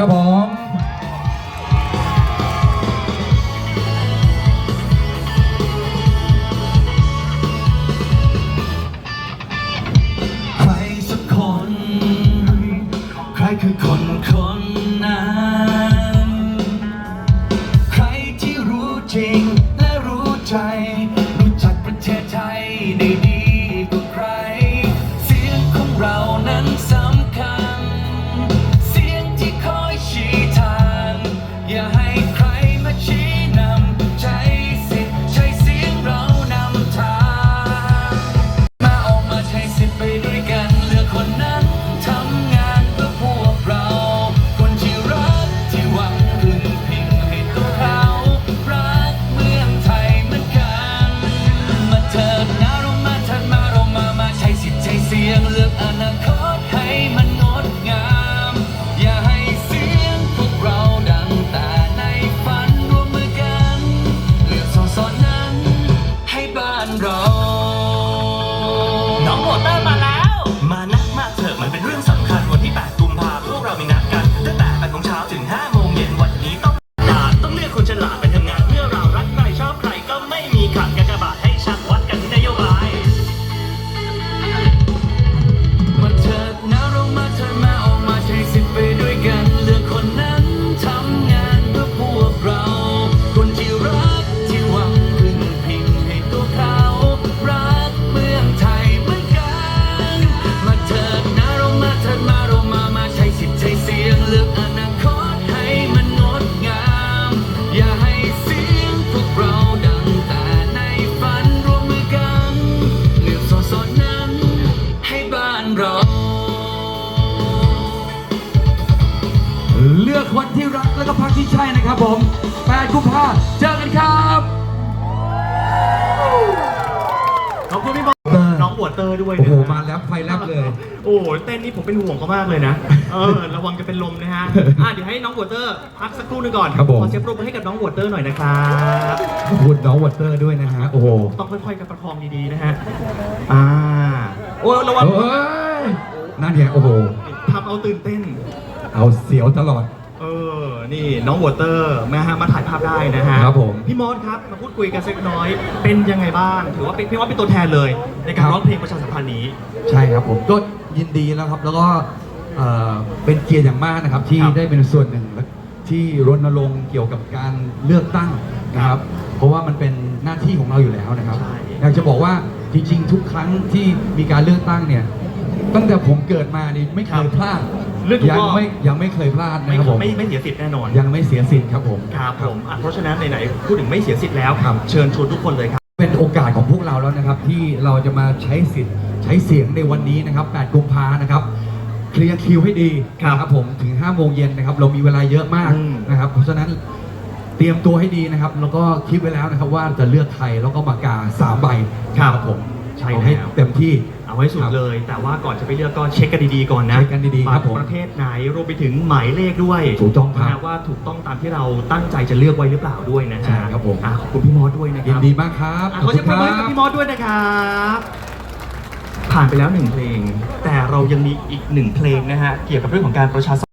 ครับผมใครสักคนใครคือคนนั้นใครที่รู้จริงและรู้ใจรู้จักประเทศไทยได้ดีกว่าใครเสียงของเรานั้นสำคัญเสียงที่คอยชี้ทางอย่าให้ใครมาชี้นำใช้สิทธิ์ใช้เสียงเรานำทางมาออกมาใช้สิทธิ์ไปด้วยกันเลือกคนนั้นทำงานเพื่อพวกเราคนที่รักที่หวังพึ่งพิงให้ตัวเขารักเมืองไทยเหมือนกันมาเถิดนะเรามาเถิดมาใช้สิทธิ์ใช้เสียงเลือกอนาคตให้มันงดงามอย่าให้เสียงพวกเราดังแต่ในฝันร่วมมือกันเลือกสอนั้นให้บ้านเราน้องโวเตอร์มาแล้วมานักมากเถอะมันเป็นเรื่องสำคัญวันที่ 8 กุมภาพันธ์พวกเรามีนัดกันตั้งแต่ 8 โมงเช้าถึง 5 โมงเย็นวันนี้ต้องเลือกคนฉลาดไปทำงานเพื่อเรารักใครชอบใครก็ไม่มีขัดกากบาทให้ชัดวัดกันที่นโยบายมาเถิดนะเรามาเถิดมาออกมาใช้สิทธิ์ไปด้วยกันเลือกคนนั้นทำงานเพื่อพวกเราคนที่รักที่หวังพึ่งพิงให้ตัวเขารักเมืองไทยเหมือนกันมาเถิดนะเรามาเถิดมาใช้สิทธิ์ใช้เสียงเลือกอนาคตให้มันงดงามอย่าให้เสียงพวกเราดังแต่ในฝันร่วมมือกันเลือกสอนั้นให้บ้านเราเลือกคนที่รักแล้วก็พรรคที่ใช่นะครับผม8 กุมภาพันธ์เจอกันครับขอบคุณพี่บอลน้องโวเตอร์ด้วยโอ้นะโหมาแล้วไฟแลบเลยโอ้เต้นนี่ผมเป็นห่วงเขามากเลยนะระวังจะเป็นลมนะฮะเดี๋ยวให้น้องโวเตอร์พักสักครู่หนึงก่อนครับผมขอเสียงปรบมือให้กับน้องโวเตอร์หน่อยนะครับขอบคุณน้องวอเตอร์ด้วยนะฮะโอ้โหต้องค่อยๆกันประคองดีๆนะฮะโอ้ระวังเอ้ยนั่นเนี่ยโอ้โหทำเอาตื่นเต้นเอาเสียวตลอดนี่น้องโวเตอร์นะฮะมาถ่ายภาพได้นะฮะครับผมพี่มอสครับมาพูดคุยกันสักน้อยเป็นยังไงบ้างถือว่าเป็นพี่มอสเป็นตัวแทนเลยในการร้องเพลงประชาสัมพันธ์นี้ใช่ครับผมก็ยินดีแล้วครับแล้วก็เป็นเกียรติอย่างมากนะครับที่ครับได้เป็นส่วนหนึ่งที่รณรงค์เกี่ยวกับการเลือกตั้งนะครับ เพราะว่ามันเป็นหน้าที่ของเราอยู่แล้วนะครับใช่อยากจะบอกว่าจริงๆ ทุกครั้งที่มีการเลือกตั้งเนี่ยตั้งแต่ผมเกิดมานี่ไม่เคยพลาดเลือกทุกยังรอบไม่เคยพลาดนะครับผมไม่เสียสิทธิ์แน่นอนยังไม่เสียสิทธิ์ครับผมครับผมเพราะฉะนั้นไหนๆพูดถึงไม่เสียสิทธิ์แล้วครับเชิญชวนทุกคนเลยครับเป็นโอกาสของพวกเราแล้วนะครับที่เราจะมาใช้สิทธิ์ใช้เสียงในวันนี้นะครับ 8 กุมภานะครับเคลียร์คิวให้ดีครับนะครับผมถึง 5 โมงเย็นนะครับเรามีเวลาเยอะมากอืมนะครับเพราะฉะนั้นเตรียมตัวให้ดีนะครับแล้วก็คิดไว้แล้วนะครับว่าจะเลือกใครแล้วก็ปากกา3 ใบผมใช่เอาให้แล้วเต็มที่เอาให้สุดเลย แต่ว่าก่อนจะไปเลือกก็เช็คกันดีๆก่อนนะเช็คกันดีๆครับผมประเทศไหนรวมไปถึงหมายเลขด้วยถูกต้องครับนะว่าถูกต้องตามที่เราตั้งใจจะเลือกไว้หรือเปล่าด้วยนะฮะใช่ครับผมขอบคุณพี่มอสด้วยนะคยิรันบดีมากครับขอเสียงปรบมือให้กับพี่มอสด้วยนะครับผ่านไปแล้ว1 เพลง แต่เรายังมีอีก1 เพลงนะฮะเกี่ยวกับเรื่องของการประชาสัมพันธ์